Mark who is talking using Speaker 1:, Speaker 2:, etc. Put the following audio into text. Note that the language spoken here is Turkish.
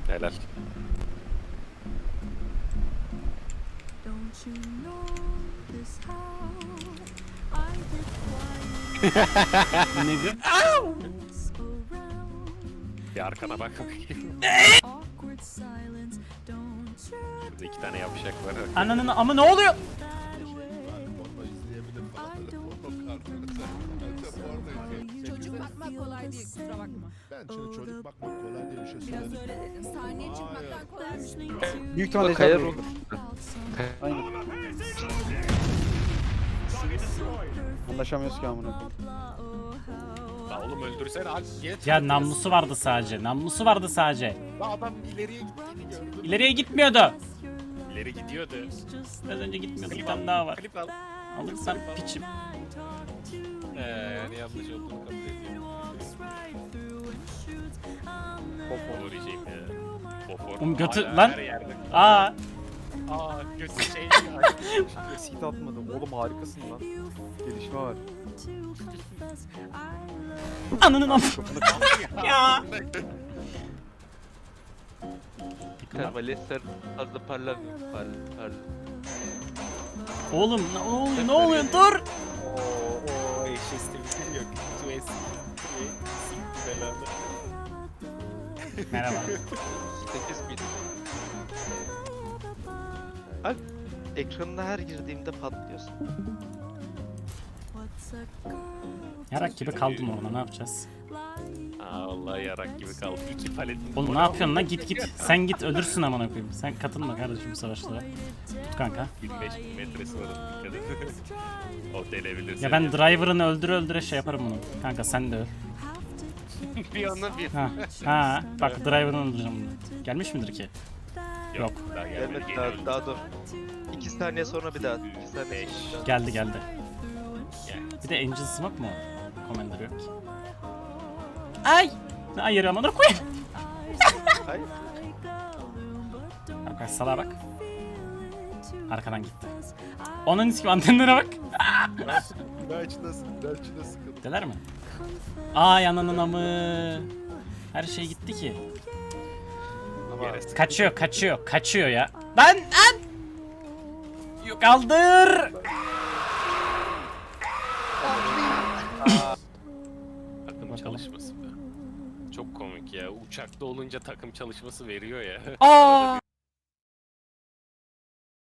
Speaker 1: Helal.
Speaker 2: Ne diyor?
Speaker 1: Bir arkana bak. Şurada 2 tane yapacak var.
Speaker 2: Ananın ama ne oluyor?
Speaker 3: Çocuk bakmak kolay değil, kusura bakma.
Speaker 4: Ben şimdi çocuk bakmak kolay diye bir şey
Speaker 3: Biraz
Speaker 4: söyledim.
Speaker 3: öyle dedim. Sahneye çıkmaktan kolaymış.
Speaker 5: Büyük ihtimalle
Speaker 6: Kayar
Speaker 5: Ejder
Speaker 6: olur.
Speaker 5: Aynen. Anlaşamıyoruz ki amına koyayım.
Speaker 1: La oğlum öldürsene al.
Speaker 2: Ya namlusu vardı sadece. Namlusu vardı sadece.
Speaker 1: La adam ileriye gittiğini gördüm.
Speaker 2: İleriye gitmiyordu.
Speaker 1: İleri gidiyordu.
Speaker 2: Biraz önce gitmiyordu. Bir tane daha var.
Speaker 1: Klip al.
Speaker 2: Alırsam piçim.
Speaker 1: Yani yanlış olduğunu kabul ediyorum. Pofor diyeceğim ya. Pofor.
Speaker 2: Oğlum götü-
Speaker 1: Hala
Speaker 2: lan.
Speaker 1: her yerde.
Speaker 2: Aa.
Speaker 1: Götü şey.
Speaker 6: Seat atmadım. Oğlum harikasın lan. Gelişme var.
Speaker 2: Ananın am. Ya.
Speaker 6: Termalesler fazla parlamıyor. Parla.
Speaker 2: Oğlum ne oluyor? Dur.
Speaker 1: Oo eşleşti bir yok. Şu eski. Sikti belanı.
Speaker 2: Merhaba.
Speaker 6: 8 bin. Abi ekranına her girdiğimde patlıyorsun.
Speaker 2: Yarak gibi kaldım orada. Ne yapacağız?
Speaker 1: Aa vallahi yarak gibi kaldı. 2 palet.
Speaker 2: Oğlum ne yapıyorsun lan? Git. Sen git ölürsün amına koyayım. Sen katılma kardeşim bu savaşlara. Tut kanka.
Speaker 1: 25 metresi var. Dikkat et. O delebilir seni.
Speaker 2: Ya ben driver'ını öldüre şey yaparım bunu. Kanka sen de öl.
Speaker 1: bir anda bir.
Speaker 2: Ha. Bak driver'ını öldüreceğim bunu. Gelmiş midir ki? Yok.
Speaker 1: Daha gelmedi.
Speaker 6: Gelmedi
Speaker 1: Geliyor.
Speaker 6: daha dur. 2 saniye sonra bir daha. 2 saniye sonra bir daha.
Speaker 2: Geldi.
Speaker 1: Gel.
Speaker 2: Bir de Angel Smoke mu? Commander yok ki. Ay! Hayır amına koyayım.
Speaker 6: Hayır.
Speaker 2: Bak salağa bak. Arkadan gitti. Onun ismi antenlere bak.
Speaker 4: İlaçla sıkıldım.
Speaker 2: Deler mi? Ay ananın amı. Her şey gitti ki.
Speaker 6: Ama
Speaker 2: Kaçıyor ya. Lan! Yok kaldır.
Speaker 1: Takım çalışması be. Çok komik ya. Uçakta olunca takım çalışması veriyor ya.
Speaker 2: Aa!